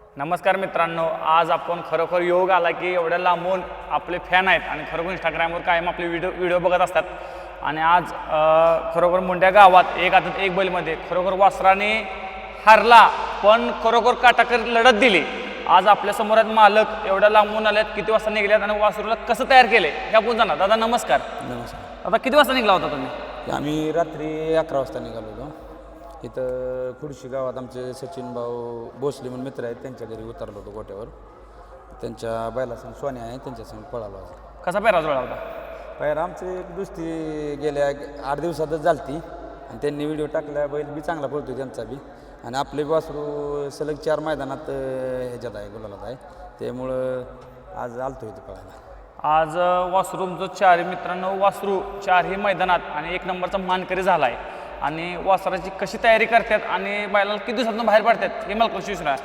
नमस्कार मित्रांनो, आज आपण खरोखर योग आला की एवढ्या लांबून आपले फॅन आहेत आणि खरोखर इंस्टाग्रामवर कायम आपले व्हिडिओ बघत असतात. आणि आज खरोखर मुंड्या गावात एक आदत एक बैलमध्ये खरोखर वासराने हारला, पण खरोखर काटाकर लढत दिली. आज आपल्या समोर आहेत मालक, एवढ्या लांबून आल्यात, किती वाजता निघल्यात आणि वासरूला कसं तयार केले हे आपण जाणार. दादा नमस्कार. नमस्कार. आता किती वाजता निघला होता तुम्ही? आम्ही रात्री 11 वाजता निघालो होतो. इथं खुर्शी गावात आमचे सचिन भाऊ भोसले म्हणून मित्र आहेत, त्यांच्या घरी उतरलो होतो गोट्यावर. त्यांच्या बैलासंग सोन्या आहे, त्यांच्यासंग पळालो. कसा पेरा जुळला होता? बाहेर आमची एक दुसरी गेल्या 8 दिवसातच झालती आणि त्यांनी व्हिडिओ टाकला. बैल बी चांगला पळतो त्यांचा बी, आणि आपले वासरू सलग 4 मैदानात ह्याच्यात आहे, गुलालात आहे. त्यामुळं आज आलतो इथं पळायला. आज वासरूमचं चारही मित्रांनो, वासरू चारही मैदानात आणि 1 नंबरचा मानकरी झाला आहे. आणि वासराची कशी तयारी करतात आणि बैलाला किती दिवसातून बाहेर पाडतात हे मला कशी विचारा.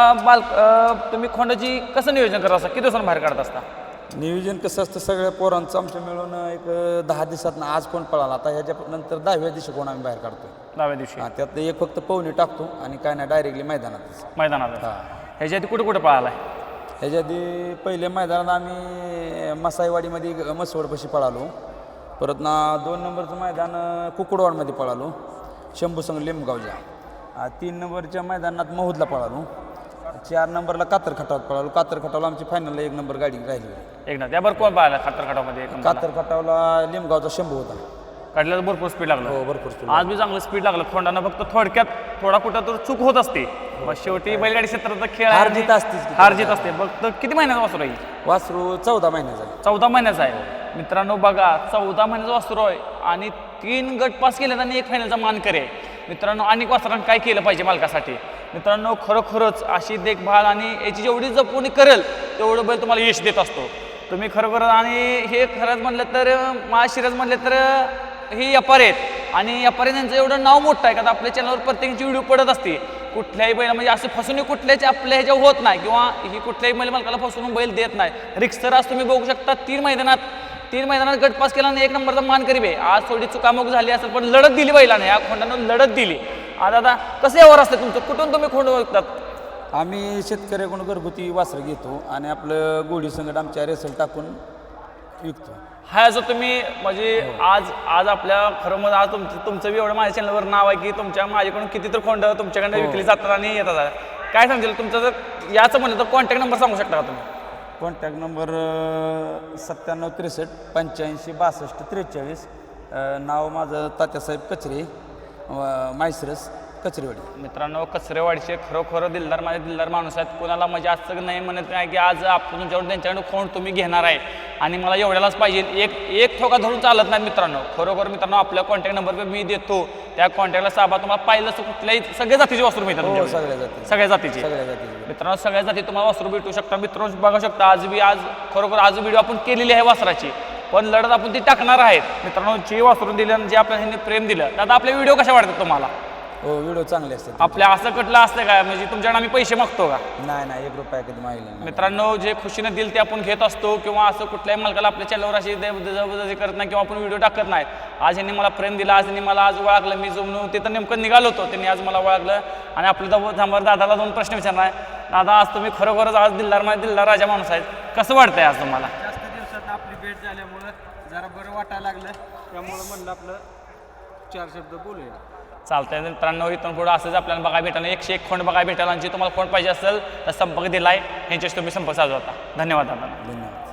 आता तुम्ही खोंडाची कसं नियोजन करत असता, किती दिवसांना बाहेर काढत असता? नियोजन कसं असतं, सगळ्या पोरांचं आमच्या मिळून एक 10 दिवसात आज कोण पळाला, आता ह्याच्या नंतर 10व्या दिवशी कोण आम्ही बाहेर काढतो. 10व्या दिवशी. हां, त्यात एक फक्त पवनी टाकतो आणि काय नाही, डायरेक्टली मैदानात. हां, ह्याच्या आधी कुठे कुठे पळाला आहे? ह्याच्या आधी पहिल्या मैदानात आम्ही मसाईवाडीमध्ये मसवडपाशी पळालो. परत ना 2 नंबरचं मैदान कुकुडवाडमध्ये पळालो, शंभू संघ लिंबगावच्या. 3 नंबरच्या मैदानात महूदला पळालो. 4 नंबरला कातर खटावत पळालो. कातर खटावला आमची फायनलला 1 नंबर गाडी राहिली. एक ना त्याबरोबर कोण पाहिला कातर खटावमध्ये? कातर खटावला लिंबगावचा शंभू होता. काढल्याला भरपूर स्पीड लागलं. हो, भरपूर स्पीड. आज बी चांगलं स्पीड लागलं. खोंडानं फक्त थोडक्यात थोडा कुठं तर चूक होत असते. मग शेवटी बैलगाडी क्षेत्राचा खेळ हार जीत असतेच. हार जीत असते. फक्त किती महिन्याचा वासरू आहे? वासरू 14 महिन्याचा आहे. 14 महिन्याचा आहे. मित्रांनो बघा, 14 महिन्याचा वासरू आहे आणि 3 गट पास केलेत आणि 1 फायनलचा मानकरी आहे. मित्रांनो, अनेक वासरांनी काय केलं पाहिजे मालकासाठी? मित्रांनो, खरोखरच अशी देखभाल आणि याची जेवढी जपवणी करेल तेवढं बैल तुम्हाला यश देत असतो. तुम्ही खरोखर, आणि हे खरंच म्हणलं तर महाशिरज म्हणलं तर हे व्यापारी आहेत आणि व्यापारी त्यांचं एवढं नाव मोठं आहे का आपल्या चॅनलवर प्रत्येकाची व्हिडिओ पडत असते. कुठल्याही बैल म्हणजे असं फसवणूक कुठल्याच आपल्या ह्याच्यावर होत नाही, किंवा ही कुठल्याही बैल मालकाला फसवून बैल देत नाही. रिक्सर आज तुम्ही बघू शकता, 3 मैदानात गटपास केला आणि 1 नंबरचा मानकरी आहे. आज थोडी चुकामुक झाली असेल, पण लढत दिली बैलाने, या खोंडानं लढत दिली. आता कसं यावर असतं तुमचं? कुठून तुम्ही खोंड ओळखतात? आम्ही शेतकऱ्याकडून घरगुती वासरं घेतो आणि आपलं गोडी संगत आमच्या रेसल टाकून विकतो. हा, असं तुम्ही म्हणजे आज आपल्या खरं मग आज तुमचं बी एवढं माझ्या चॅनलवर नाव आहे की माझ्याकडून किती तर खोंड तुमच्याकडे विकली जातात आणि येतात. काय सांगतील तुमचं? जर याचं म्हणलं तर कॉन्टॅक्ट नंबर सांगू शकता का तुम्ही? Contact number 97 63 85 62 43. नाव माझं तात्यासाहेब कचरे, मायसरस कचरेवाडी. मित्रांनो, कचरेवाडीचे खरोखर दिलदार, माझे दिलदार माणूस आहेत. कोणाला म्हणजे असं नाही म्हणत नाही की आज आपण तुमच्यावर त्यांच्याकडे खोंड तुम्ही घेणार आहे आणि मला एवढ्यालाच पाहिजे, एक ठोका धरून चालत नाही. मित्रांनो, खरोखर मित्रांनो, आपल्या कॉन्टॅक्ट नंबर मी देतो, त्या कॉन्टॅक्टला साबा तुम्हाला पाहिलं असं कुठल्याही सगळ्या जातीचे वासरू मिळतात. सगळ्या जातीचे मित्रांनो, सगळ्या जाती तुम्हाला वासरू भेटू शकता. मित्रांनो बघू शकता, आज खरोखर आज व्हिडिओ आपण केलेली आहे वासराची, पण लढत आपण ती टाकणार आहेत. मित्रांनो, जे वासरून दिलं आणि जे आपल्याला प्रेम दिलं, दादा आपले व्हिडिओ कशा वाटतात तुम्हाला? हो, व्हिडिओ चांगले असतात. आपल्या असं कटलं असतं काय म्हणजे तुमच्याकडे आम्ही पैसे मागतो का? नाही, 1 रुपया कधी मागितला. मित्रांनो, जे खुशीने दिल ते आपण घेत असतो, किंवा असं कुठल्याही मालकाला आपल्या चॅनलवर अशी जबरदस्ती करत नाही किंवा आपण व्हिडिओ टाकत नाही. आज यांनी मला प्रेम दिला, आज यांनी मला आज ओळखलं. मी जमून ते तर नेमकं निघालो होतो, त्यांनी आज मला ओळखलं. आणि आपल्या थांबावर दादाला 2 प्रश्न विचारणार आहे. दादा, आज तुम्ही खरोखरच आज दिलदार राजा माणूस आहेत, कसं वाटतंय आज तुम्हाला? जास्त दिवसात आपली भेट झाल्यामुळं जरा बरं वाटायला लागलं, त्यामुळं म्हणलं आपलं 4 शब्द बोलूया. चालतंय मित्रांनो, इथून पुढं असंच आपल्याला बघायला भेटायला 101 खोंड बघायला भेटायला. आणि जे तुम्हाला खोंड पाहिजे असेल तर संपर्क दिला आहे, ह्यांच्याशी तुम्ही संपर्क साधू होता. धन्यवाद दादा. धन्यवाद.